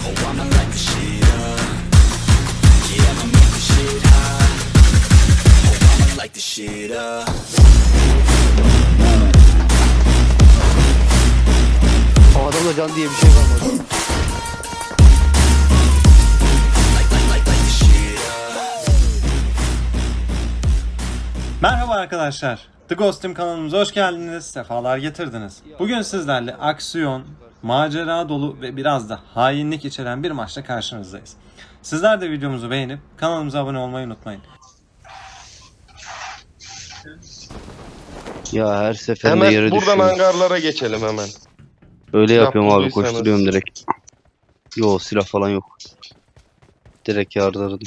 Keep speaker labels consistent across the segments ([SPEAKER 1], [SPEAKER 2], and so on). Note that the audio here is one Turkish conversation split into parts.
[SPEAKER 1] Oh, I'ma light the shit up. Yeah, I'ma make the shit hot. Oh, I'ma light the shit up.
[SPEAKER 2] Adamda can diye bir şey kalmadı.
[SPEAKER 3] Merhaba arkadaşlar. The Ghost Team kanalımıza hoş geldiniz. Sefalar getirdiniz. Bugün sizlerle aksiyon, macera dolu ve biraz da hainlik içeren bir maçla karşınızdayız. Sizler de videomuzu beğenip kanalımıza abone olmayı unutmayın.
[SPEAKER 2] Ya her seferinde yere
[SPEAKER 4] Hemen buradan
[SPEAKER 2] düşüyorum.
[SPEAKER 4] hangarlara geçelim hemen.
[SPEAKER 2] Öyle
[SPEAKER 4] Silah
[SPEAKER 2] yapıyorum abi,
[SPEAKER 4] bulduysanız.
[SPEAKER 2] koşturuyorum direkt. Yo, silah falan yok. Direkt yardırdım.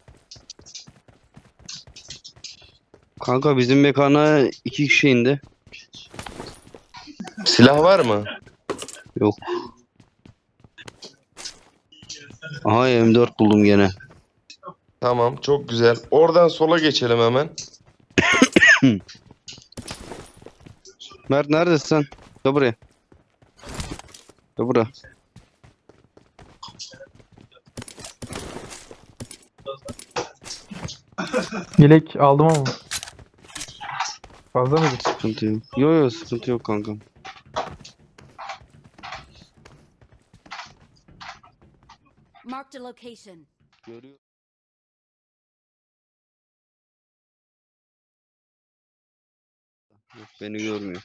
[SPEAKER 2] Kanka bizim mekana 2 kişi indi.
[SPEAKER 4] Silah var mı?
[SPEAKER 2] Yok. Aha, M4 buldum gene.
[SPEAKER 4] Tamam, çok güzel. Oradan sola geçelim hemen.
[SPEAKER 2] Mert neredesin sen? Gel buraya. Gel buraya.
[SPEAKER 5] Yelek aldım ama. Fazla mıydı?
[SPEAKER 2] Sıkıntı yok. Yo, sıkıntı yok kankam.
[SPEAKER 6] Marked a location.
[SPEAKER 2] Görüyor. Yok, beni görmüyor.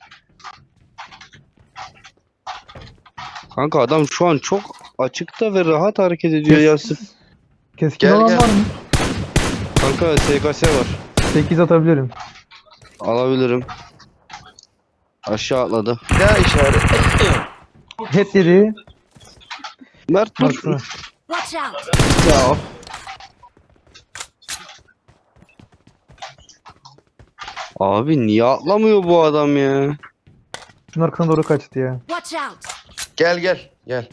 [SPEAKER 2] Kanka adam şu an çok açıkta ve rahat hareket ediyor ya.
[SPEAKER 5] Keskin
[SPEAKER 4] Gel,
[SPEAKER 5] olan
[SPEAKER 4] gel.
[SPEAKER 5] var mı?
[SPEAKER 2] Kanka SKS var.
[SPEAKER 5] 8 atabilirim.
[SPEAKER 2] Alabilirim. Aşağı atladı.
[SPEAKER 4] Bir daha işaret.
[SPEAKER 5] Head dedi.
[SPEAKER 2] Mert dur.
[SPEAKER 5] Baksana.
[SPEAKER 6] Watch out!
[SPEAKER 2] Ya. Abi niye atlamıyor bu adam ya?
[SPEAKER 5] Şunun arkasına doğru kaçtı ya.
[SPEAKER 6] Watch out!
[SPEAKER 4] Gel gel gel.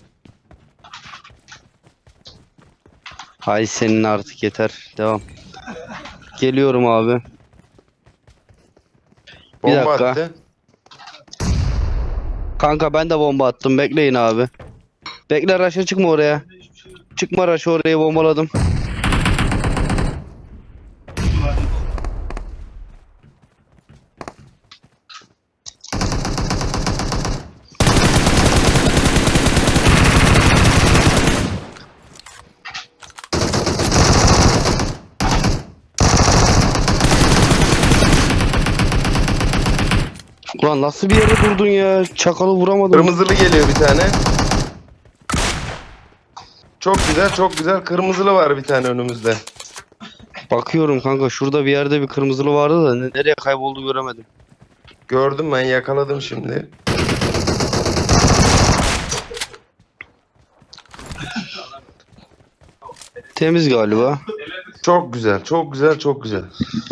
[SPEAKER 2] Hay senin artık, yeter. Devam. Geliyorum abi. Bir
[SPEAKER 4] Bomba
[SPEAKER 2] dakika.
[SPEAKER 4] attı.
[SPEAKER 2] Kanka ben de bomba attım. Bekleyin abi. Bekle, Raş'a çıkma oraya. Çıkma Raş'a, oraya bombaladım. Ulan nasıl bir yere durdun ya? Çakalı vuramadım.
[SPEAKER 4] Kırmızılı geliyor bir tane. Çok güzel, çok güzel. Kırmızılı var bir tane önümüzde.
[SPEAKER 2] Bakıyorum kanka, şurada bir yerde bir kırmızılı vardı da nereye kayboldu göremedim.
[SPEAKER 4] Gördüm, ben yakaladım şimdi.
[SPEAKER 2] Temiz galiba.
[SPEAKER 4] Çok güzel, çok güzel, çok güzel.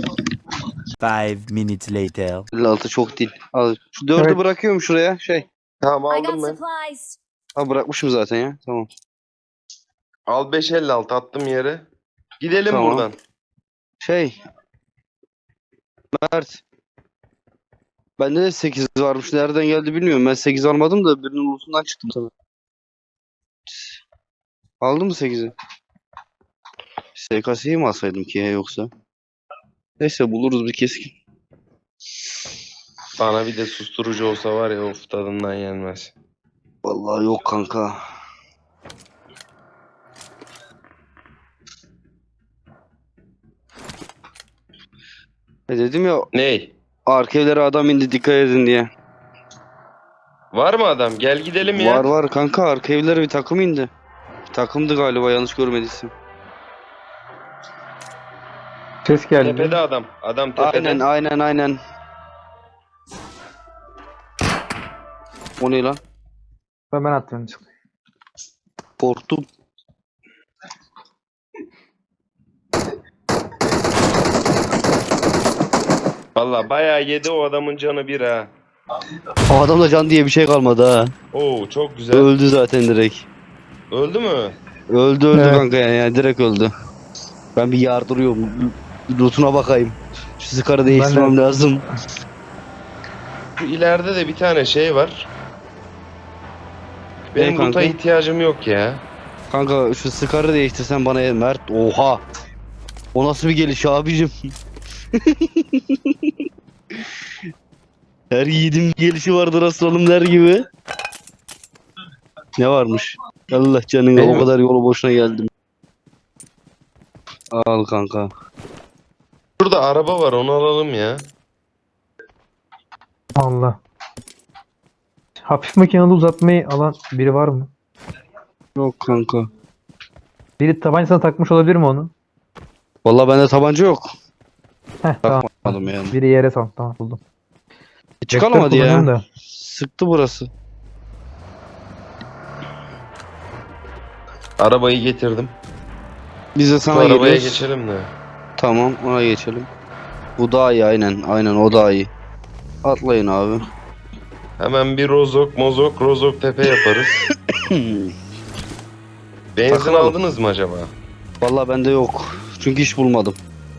[SPEAKER 7] 5 minutes later.
[SPEAKER 2] 56 çok değil. Al, şu 4'ü
[SPEAKER 5] Evet.
[SPEAKER 2] bırakıyorum şuraya.
[SPEAKER 4] Tamam,
[SPEAKER 6] I got
[SPEAKER 4] aldım ben.
[SPEAKER 6] supplies.
[SPEAKER 2] Ha, bırakmışım zaten ya. Tamam.
[SPEAKER 4] Al 556 attım yere. Gidelim
[SPEAKER 2] Tamam.
[SPEAKER 4] buradan.
[SPEAKER 2] Mert. Bende de 8 varmış. Nereden geldi bilmiyorum. Ben 8 almadım da birinin ulusundan çıktım sana. Aldın mı 8'i? SKS'yi mi alsaydım ki ya, yoksa? Neyse, buluruz bir keskin.
[SPEAKER 4] Bana bir de susturucu olsa var ya, of, tadından yenmez.
[SPEAKER 2] Vallahi yok kanka. Dedim ya,
[SPEAKER 4] Ney?
[SPEAKER 2] arka evlere adam indi, dikkat edin diye.
[SPEAKER 4] Var mı adam? Gel gidelim ya.
[SPEAKER 2] Var kanka, arka evlere bir takım indi. Takımdı galiba, yanlış görmediysem.
[SPEAKER 5] Ses geldi.
[SPEAKER 4] Tepede adam. Adam tepede.
[SPEAKER 2] Aynen. O ne lan?
[SPEAKER 5] Ben attım.
[SPEAKER 2] Korktum.
[SPEAKER 4] Valla bayağı yedi o adamın canı bir ha.
[SPEAKER 2] O adamda can diye bir şey kalmadı ha.
[SPEAKER 4] Oo, çok güzel.
[SPEAKER 2] Öldü zaten direkt.
[SPEAKER 4] Öldü mü?
[SPEAKER 2] Öldü
[SPEAKER 5] Evet.
[SPEAKER 2] kanka, yani direkt öldü. Ben bir yardırıyorum. Lootuna bakayım. Şu sıkarı değiştirmem lazım.
[SPEAKER 4] Şu ileride de bir tane şey var. Benim
[SPEAKER 2] kanka?
[SPEAKER 4] loot'a ihtiyacım yok ya.
[SPEAKER 2] Kanka şu Scar'ı değiştirsen bana Mert. Oha. O nasıl bir geliş abicim? Her yiğidin gelişi vardır aslanım der gibi. Ne varmış? Allah canına
[SPEAKER 4] Benim-
[SPEAKER 2] o kadar yolu boşuna geldim. Al kanka.
[SPEAKER 4] Burada araba var, onu alalım ya.
[SPEAKER 5] Allah. Hafif makinalı uzatmayı alan biri var mı?
[SPEAKER 2] Yok kanka.
[SPEAKER 5] Biri tabancasına takmış olabilir mi onu?
[SPEAKER 2] Vallahi bende tabanca yok.
[SPEAKER 5] Heh tamam.
[SPEAKER 2] Takmadım yani.
[SPEAKER 5] Biri yere sal. Tamam buldum.
[SPEAKER 2] Çıkalım
[SPEAKER 5] Vektör
[SPEAKER 2] hadi
[SPEAKER 5] kullanıyorum
[SPEAKER 2] ya.
[SPEAKER 5] da.
[SPEAKER 2] Sıktı burası.
[SPEAKER 4] Arabayı getirdim.
[SPEAKER 2] Biz de
[SPEAKER 4] Şu
[SPEAKER 2] sana
[SPEAKER 4] arabaya
[SPEAKER 2] geliyoruz.
[SPEAKER 4] geçelim de.
[SPEAKER 2] Tamam ona geçelim. Bu daha iyi aynen. Aynen o daha iyi. Atlayın abi.
[SPEAKER 4] Hemen bir rozok tepe yaparız. Benzin
[SPEAKER 2] Takılalım.
[SPEAKER 4] aldınız mı acaba?
[SPEAKER 2] Vallahi bende yok. Çünkü iş bulmadım.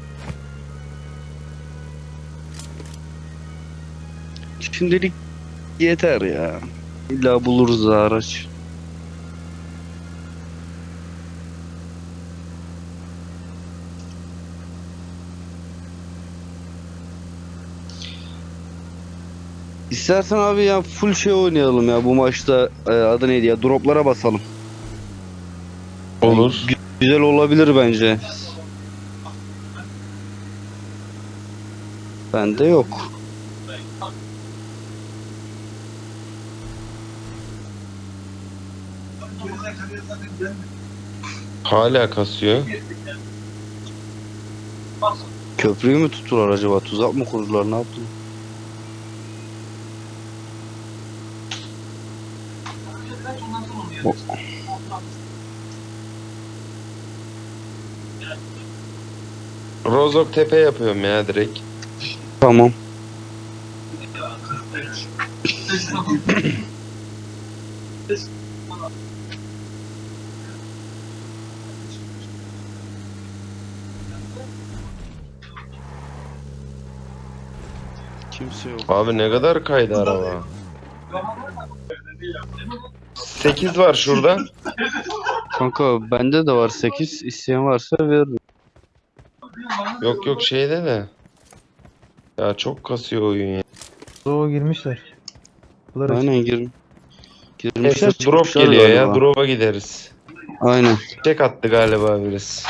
[SPEAKER 2] Şimdilik yeter ya. İlla buluruz da araç. İstersen abi ya full şey oynayalım ya bu maçta adı neydi ya droplara basalım.
[SPEAKER 4] Olur.
[SPEAKER 2] Güzel olabilir bence. Bende yok.
[SPEAKER 4] Hala kasıyor.
[SPEAKER 2] Köprüyü mü tuttular acaba? Tuzak mı kurdular? Ne yaptılar?
[SPEAKER 4] Rozok tepe yapıyorum ya direkt.
[SPEAKER 2] Tamam. Kimse yok.
[SPEAKER 4] Abi ne kadar kaydı araba. 8 var şurada.
[SPEAKER 2] Kanka bende de var 8. İsteyen varsa veririm.
[SPEAKER 4] Yok yok şeyde de. Ya çok kasıyor oyun ya.
[SPEAKER 5] O girmişler. Bunlar açık.
[SPEAKER 2] Aynen girin. Girmişler
[SPEAKER 4] Neyse drop
[SPEAKER 2] çıkmışlar
[SPEAKER 4] geliyor ya.
[SPEAKER 2] galiba.
[SPEAKER 4] Drop'a gideriz.
[SPEAKER 2] Aynen.
[SPEAKER 4] Çek attı galiba birisi.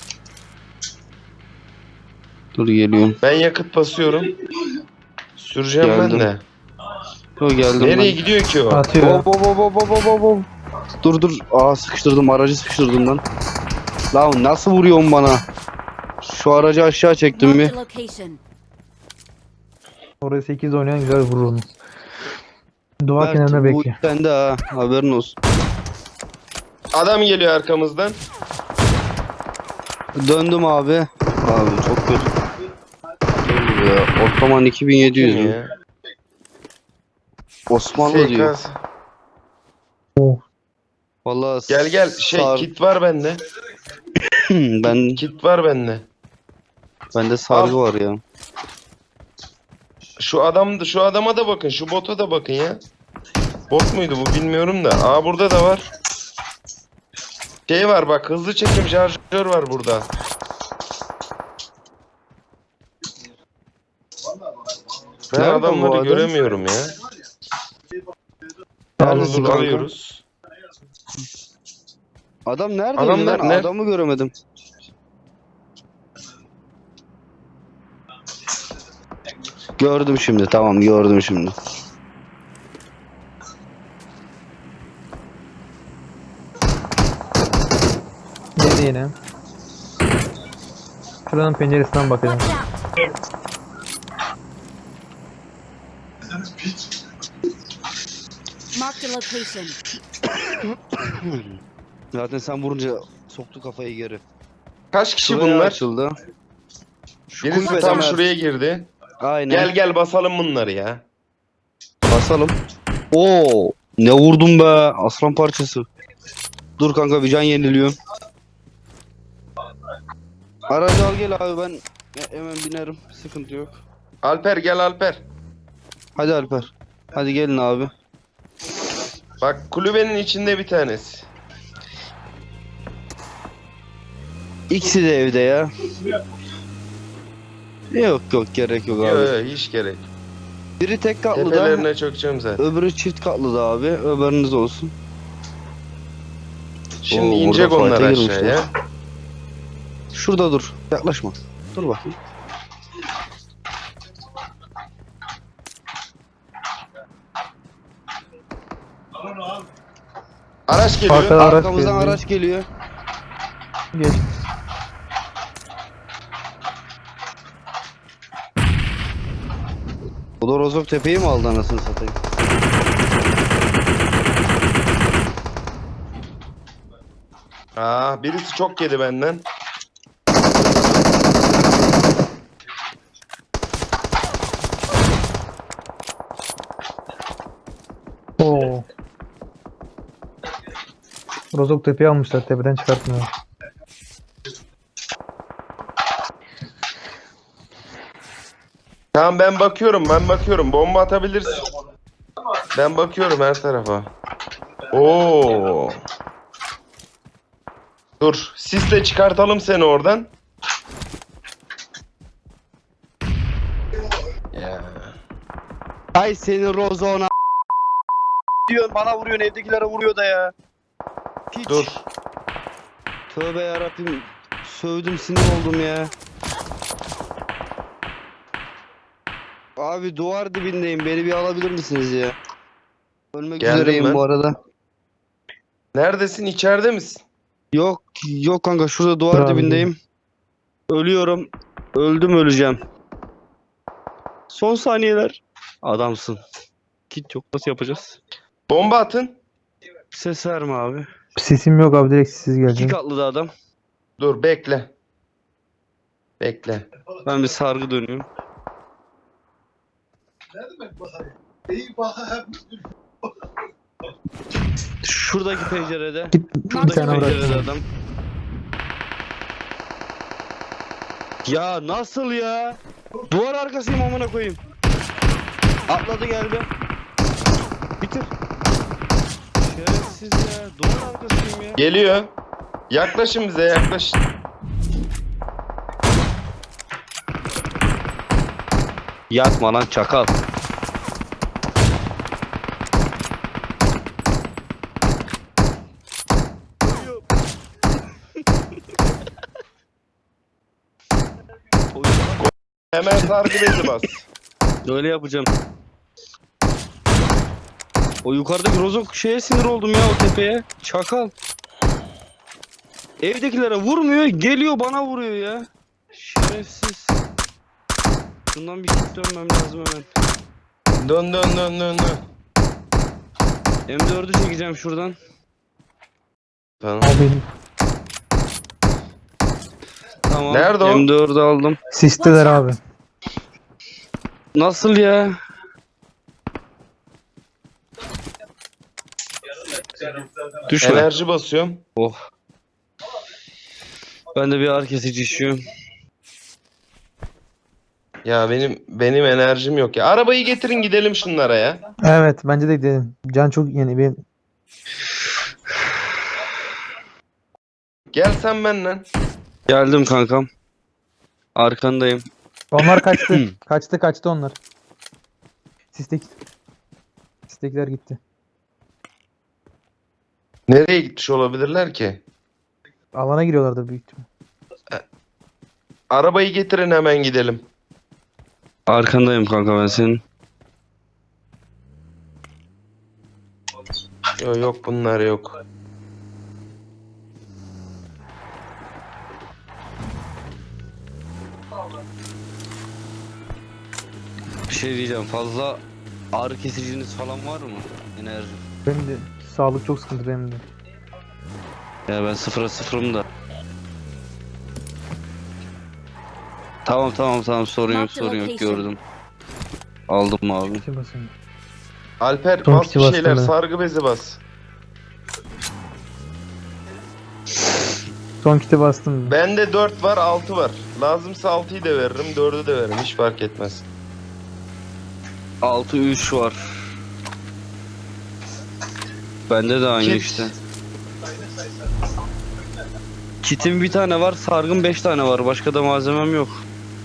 [SPEAKER 2] Dur geliyorum.
[SPEAKER 4] Ben yakıt basıyorum. Süreceğim
[SPEAKER 2] Geldim.
[SPEAKER 4] ben de.
[SPEAKER 2] Dur geldim
[SPEAKER 4] Nereye
[SPEAKER 2] ben.
[SPEAKER 4] gidiyor ki o?
[SPEAKER 5] Atıyor.
[SPEAKER 2] Hop hop hop hop hop hop hop. Dur dur. Aa sıkıştırdım. Aracı sıkıştırdım lan. Lan nasıl vuruyorsun bana? Şu aracı aşağı çektim
[SPEAKER 6] Marked
[SPEAKER 2] mi?
[SPEAKER 6] a location.
[SPEAKER 5] Oraya 8 oynayan güzel vurur onu. Duvar kenarına
[SPEAKER 2] Bu
[SPEAKER 5] bekliyor.
[SPEAKER 2] sende ha. Haberin olsun.
[SPEAKER 4] Adam geliyor arkamızdan.
[SPEAKER 2] Döndüm abi. Abi çok kötü. Dur ya. Ottoman 2700
[SPEAKER 4] Kim
[SPEAKER 2] mü?
[SPEAKER 4] ya?
[SPEAKER 2] Osmanlı diyor.
[SPEAKER 4] SKS.
[SPEAKER 2] Vallahi
[SPEAKER 4] Gel gel
[SPEAKER 2] sar-
[SPEAKER 4] kit var bende.
[SPEAKER 2] ben
[SPEAKER 4] Kit var bende.
[SPEAKER 2] bende sargı var ya.
[SPEAKER 4] Şu adama da bakın, şu bota da bakın ya. Bot muydu bu bilmiyorum da. Aa burada da var. Şey var bak, hızlı çekim şarjör var burada. Ben
[SPEAKER 2] Nerede bu
[SPEAKER 4] adamları
[SPEAKER 2] adam?
[SPEAKER 4] göremiyorum ya.
[SPEAKER 2] Neredesin
[SPEAKER 4] Dur,
[SPEAKER 2] kanka?
[SPEAKER 4] alıyoruz.
[SPEAKER 2] Adam neredeydi
[SPEAKER 4] Adam
[SPEAKER 2] lan?
[SPEAKER 4] nerede?
[SPEAKER 2] Adamı göremedim. Gördüm şimdi. Tamam gördüm şimdi.
[SPEAKER 5] Nerede yine? Şuranın penceresinden bakacağım.
[SPEAKER 6] Watch out. Marked a location.
[SPEAKER 2] Zaten sen vurunca soktu kafayı geri.
[SPEAKER 4] Kaç kişi
[SPEAKER 2] Şuraya
[SPEAKER 4] bunlar?
[SPEAKER 2] açıldı. Şu
[SPEAKER 4] Birisi
[SPEAKER 2] kulübede
[SPEAKER 4] tam
[SPEAKER 2] Mert.
[SPEAKER 4] şuraya girdi.
[SPEAKER 2] Aynen.
[SPEAKER 4] Gel gel basalım bunları ya.
[SPEAKER 2] Basalım. Oo, ne vurdum be aslan parçası. Dur kanka bir can yeniliyorum. Aracı al gel abi ben hemen binerim. Sıkıntı yok.
[SPEAKER 4] Alper gel Alper.
[SPEAKER 2] Hadi Alper. Hadi gelin abi.
[SPEAKER 4] Bak kulübenin içinde bir tanesi.
[SPEAKER 2] İkisi de evde ya. Yok gerek yok abi.
[SPEAKER 4] Yok hiç gerek.
[SPEAKER 2] Biri tek katlı da,
[SPEAKER 4] Tepelerine çökeceğim zaten.
[SPEAKER 2] öbürü çift katlı da abi. Öbürünüz olsun.
[SPEAKER 4] Şimdi
[SPEAKER 2] Oo,
[SPEAKER 4] inecek
[SPEAKER 2] burada
[SPEAKER 4] onlar
[SPEAKER 2] fight'e girmişler.
[SPEAKER 4] aşağıya.
[SPEAKER 2] Şurada dur. Yaklaşma. Dur bakayım.
[SPEAKER 4] Araç geliyor.
[SPEAKER 5] Arkada araç
[SPEAKER 2] Arkamızdan
[SPEAKER 5] geliyor.
[SPEAKER 2] araç geliyor.
[SPEAKER 5] Geç.
[SPEAKER 2] O da Rozok Tepe'yi mi aldı anasını satayım?
[SPEAKER 4] Birisi çok yedi benden.
[SPEAKER 5] Oo. Rozok tepeyi almışlar. Tepeden çıkartmıyor.
[SPEAKER 4] Tamam ben bakıyorum. Bomba atabilirsin. Ben bakıyorum her tarafa. Oo. Dur, sisle çıkartalım seni oradan. Ya.
[SPEAKER 2] Ay senin Rozok'una diyorsun, bana vuruyorsun, evdekilere vuruyor da ya. Piç.
[SPEAKER 4] Dur.
[SPEAKER 2] Tövbe yarabbim. Sövdüm, sinir oldum ya. Abi duvar dibindeyim. Beni bir alabilir misiniz ya? Ölmek
[SPEAKER 4] Geldim
[SPEAKER 2] üzereyim
[SPEAKER 4] ben.
[SPEAKER 2] bu arada.
[SPEAKER 4] Neredesin? İçeride misin?
[SPEAKER 2] Yok kanka, şurada duvar
[SPEAKER 5] Bravo.
[SPEAKER 2] dibindeyim. Ölüyorum. Öldüm, öleceğim. Son saniyeler. Adamsın. Kit yok. Nasıl yapacağız?
[SPEAKER 4] Bomba atın.
[SPEAKER 2] Ses verme abi.
[SPEAKER 5] Sesim yok abi, direkt siz
[SPEAKER 2] İki
[SPEAKER 5] gelecek.
[SPEAKER 2] katlı da adam.
[SPEAKER 4] Dur bekle. Bekle.
[SPEAKER 2] Ben bir sargı dönüyorum. Şuradaki pencerede.
[SPEAKER 5] Bir
[SPEAKER 2] Şuradaki
[SPEAKER 5] tane
[SPEAKER 2] pencerede
[SPEAKER 5] bırak.
[SPEAKER 2] adam. Ya nasıl ya? Duvar arkasıyım amına koyayım. Atladı geldi. Bitir. Şerefsiz ya. Duvar arkasıyım ya.
[SPEAKER 4] Geliyor. Yaklaşın bize, yaklaşın.
[SPEAKER 2] Yatma lan çakal.
[SPEAKER 4] Hemen sargı bezi bas.
[SPEAKER 2] Öyle yapacağım. O yukarıdaki Rozok şeye sinir oldum ya, o tepeye. Çakal. Evdekilere vurmuyor, geliyor bana vuruyor ya. Şerefsiz. Şundan bir kit dönmem lazım hemen.
[SPEAKER 4] Dön.
[SPEAKER 2] M4'ü çekeceğim şuradan.
[SPEAKER 4] Tamam.
[SPEAKER 5] Abi
[SPEAKER 2] Tamam.
[SPEAKER 4] Nerede o?
[SPEAKER 2] M4'ü aldım.
[SPEAKER 5] sisteler abi.
[SPEAKER 2] Nasıl ya? Düşme.
[SPEAKER 4] Enerji basıyorum.
[SPEAKER 2] Oh. Ben de bir ağrı kesici içiyorum.
[SPEAKER 4] Ya benim enerjim yok ya. Arabayı getirin gidelim şunlara ya.
[SPEAKER 5] Evet, bence de gidelim. Can çok yeni. Bir
[SPEAKER 4] Gel sen benimle.
[SPEAKER 2] Geldim kankam. Arkandayım.
[SPEAKER 5] onlar kaçtı. kaçtı onlar. Sistekiler gitti.
[SPEAKER 4] Nereye gitmiş olabilirler ki?
[SPEAKER 5] Alana giriyorlardı büyük ihtimal.
[SPEAKER 4] Arabayı getirin hemen gidelim.
[SPEAKER 2] Arkandayım kanka ben senin.
[SPEAKER 4] Yok bunlar yok.
[SPEAKER 2] Bir şey diyeceğim. Fazla ağrı kesiciniz falan var mı? Enerji.
[SPEAKER 5] Benim de sağlık çok sıkıntı benim de.
[SPEAKER 2] Ya ben sıfırım da. Tamam sorun yok gördüm. Aldım abi.
[SPEAKER 5] Şey basayım.
[SPEAKER 4] Alper
[SPEAKER 5] Son
[SPEAKER 4] bas
[SPEAKER 5] kiti
[SPEAKER 4] bir
[SPEAKER 5] bastım
[SPEAKER 4] şeyler,
[SPEAKER 5] ben.
[SPEAKER 4] sargı bezi bas.
[SPEAKER 5] Son kiti bastım.
[SPEAKER 4] Bende 4 var, 6 var. Lazımsa 6'yı da veririm, 4'ü de veririm. Hiç fark etmez.
[SPEAKER 2] 6-3 var. Bende de aynı
[SPEAKER 4] Kit.
[SPEAKER 2] işte. Kitim bir tane var, sargın 5 tane var. Başka da malzemem yok.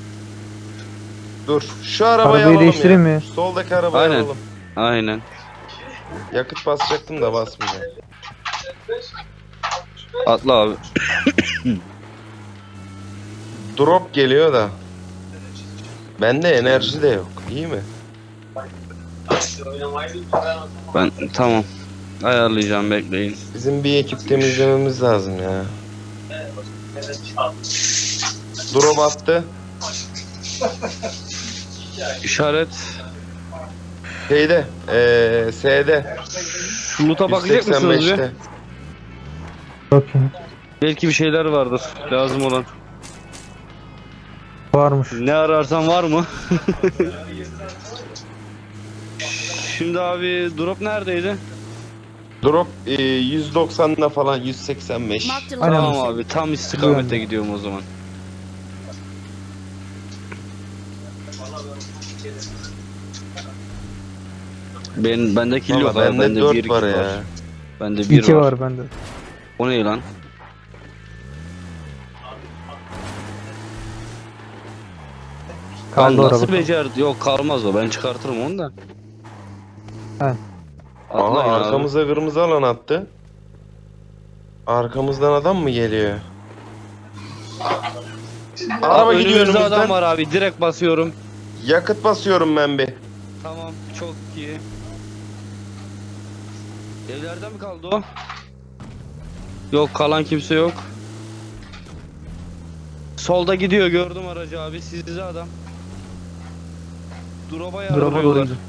[SPEAKER 4] Dur. Şu arabayı
[SPEAKER 5] Arabayı
[SPEAKER 4] alalım
[SPEAKER 5] değiştireyim
[SPEAKER 4] ya.
[SPEAKER 5] mi?
[SPEAKER 4] Soldaki arabayı
[SPEAKER 2] Aynen.
[SPEAKER 4] alalım.
[SPEAKER 2] Aynen.
[SPEAKER 4] Yakıt basacaktım da basmayacağım.
[SPEAKER 2] Atla abi.
[SPEAKER 4] Drop geliyor da. Bende enerji de yok. İyi mi?
[SPEAKER 2] Ben tamam. Ayarlayacağım, bekleyin.
[SPEAKER 4] Bizim bir ekip temizlememiz lazım ya. Drop attı.
[SPEAKER 2] İşaret.
[SPEAKER 4] Şeyde. S'de.
[SPEAKER 2] Şu loot'a bakacak mısınız bir?
[SPEAKER 4] 185'te.
[SPEAKER 5] Bakayım.
[SPEAKER 2] Belki bir şeyler vardır lazım olan.
[SPEAKER 5] Varmış.
[SPEAKER 2] Ne ararsan var mı? Şimdi abi drop neredeydi?
[SPEAKER 4] Drop 190'da falan 185.
[SPEAKER 6] Marked a
[SPEAKER 5] Aynen.
[SPEAKER 2] Tamam
[SPEAKER 6] location.
[SPEAKER 2] abi, tam istikamete gidiyorum o zaman. Bende kill yok
[SPEAKER 4] Valla
[SPEAKER 2] abi,
[SPEAKER 4] bende
[SPEAKER 2] bende
[SPEAKER 4] 4
[SPEAKER 2] 1 kill
[SPEAKER 4] var
[SPEAKER 2] var.
[SPEAKER 4] ya.
[SPEAKER 2] Bende 1
[SPEAKER 5] 2
[SPEAKER 2] var.
[SPEAKER 5] var bende.
[SPEAKER 2] O ne lan?
[SPEAKER 5] Kaldı
[SPEAKER 2] Ben
[SPEAKER 5] araba.
[SPEAKER 2] nasıl becerdi? Yok, kalmaz o, ben çıkartırım onu da.
[SPEAKER 5] He.
[SPEAKER 4] Aha
[SPEAKER 2] Atlayın abi.
[SPEAKER 4] arkamıza kırmızı alan attı. Arkamızdan adam mı geliyor? Araba
[SPEAKER 2] Abi,
[SPEAKER 4] gidiyor
[SPEAKER 2] önümüzde adam
[SPEAKER 4] önümüzden.
[SPEAKER 2] var abi, direkt basıyorum.
[SPEAKER 4] Yakıt basıyorum ben bir.
[SPEAKER 2] Tamam, çok iyi. Evlerden mi kaldı o? Yok, kalan kimse yok. Solda gidiyor, gördüm aracı abi, sizde adam. Drop'a
[SPEAKER 5] Drop'a
[SPEAKER 2] yardırıyorlar.
[SPEAKER 5] doğru gidiyor.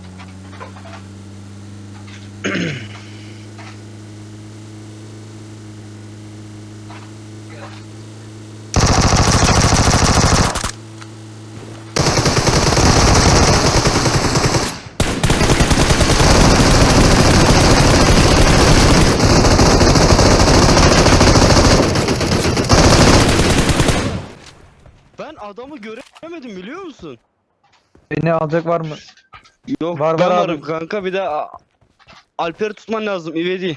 [SPEAKER 2] Ben adamı göremedim, biliyor musun?
[SPEAKER 5] Beni alacak var mı?
[SPEAKER 2] Yok,
[SPEAKER 5] Var,
[SPEAKER 2] ben
[SPEAKER 5] var abi.
[SPEAKER 2] varım kanka, bir de Alper'i tutman lazım, ivedi.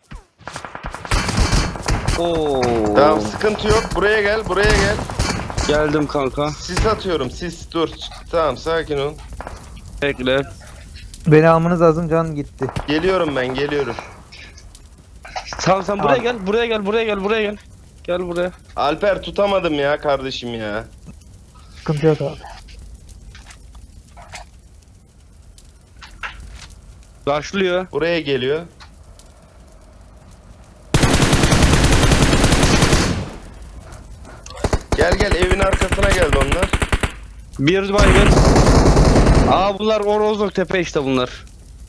[SPEAKER 2] Oo.
[SPEAKER 4] Tamam sıkıntı yok. Buraya gel, buraya gel.
[SPEAKER 2] Geldim kanka.
[SPEAKER 4] Sis atıyorum, sis dur. Tamam sakin ol.
[SPEAKER 2] Bekle.
[SPEAKER 5] Beni almanız lazım, can gitti.
[SPEAKER 4] Geliyorum ben, geliyorum.
[SPEAKER 2] Tamam, sen buraya
[SPEAKER 5] Abi.
[SPEAKER 2] gel, buraya gel, buraya gel, buraya gel. Gel buraya.
[SPEAKER 4] Alper tutamadım ya kardeşim ya.
[SPEAKER 5] Sıkıntı yok abi.
[SPEAKER 2] Başlıyor.
[SPEAKER 4] Buraya geliyor. Gel gel evin arkasına geldi onlar.
[SPEAKER 2] Bir baygın. Aa, bunlar Orozluk Tepe işte bunlar.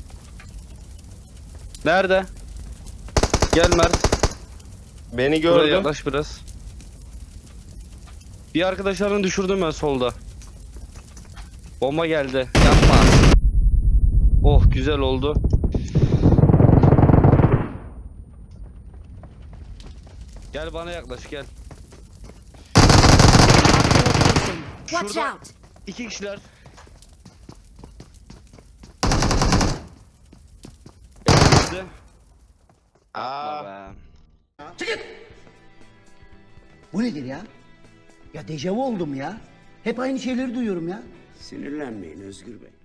[SPEAKER 2] Nerede? Gel Mert.
[SPEAKER 4] Beni
[SPEAKER 2] Buraya
[SPEAKER 4] gördüm.
[SPEAKER 2] yaklaş biraz. Bir arkadaşlarını düşürdüm ben solda. Bomba geldi. Yapma. Oh, güzel oldu. Gel bana yaklaş, gel.
[SPEAKER 6] Watch
[SPEAKER 2] Şurada.
[SPEAKER 6] out.
[SPEAKER 2] 2 kişiler. Elimizde.
[SPEAKER 4] Aa,
[SPEAKER 2] Be.
[SPEAKER 8] Bu nedir ya? Ya dejavu oldum ya. Hep aynı şeyleri duyuyorum ya.
[SPEAKER 9] Sinirlenmeyin Özgür Bey.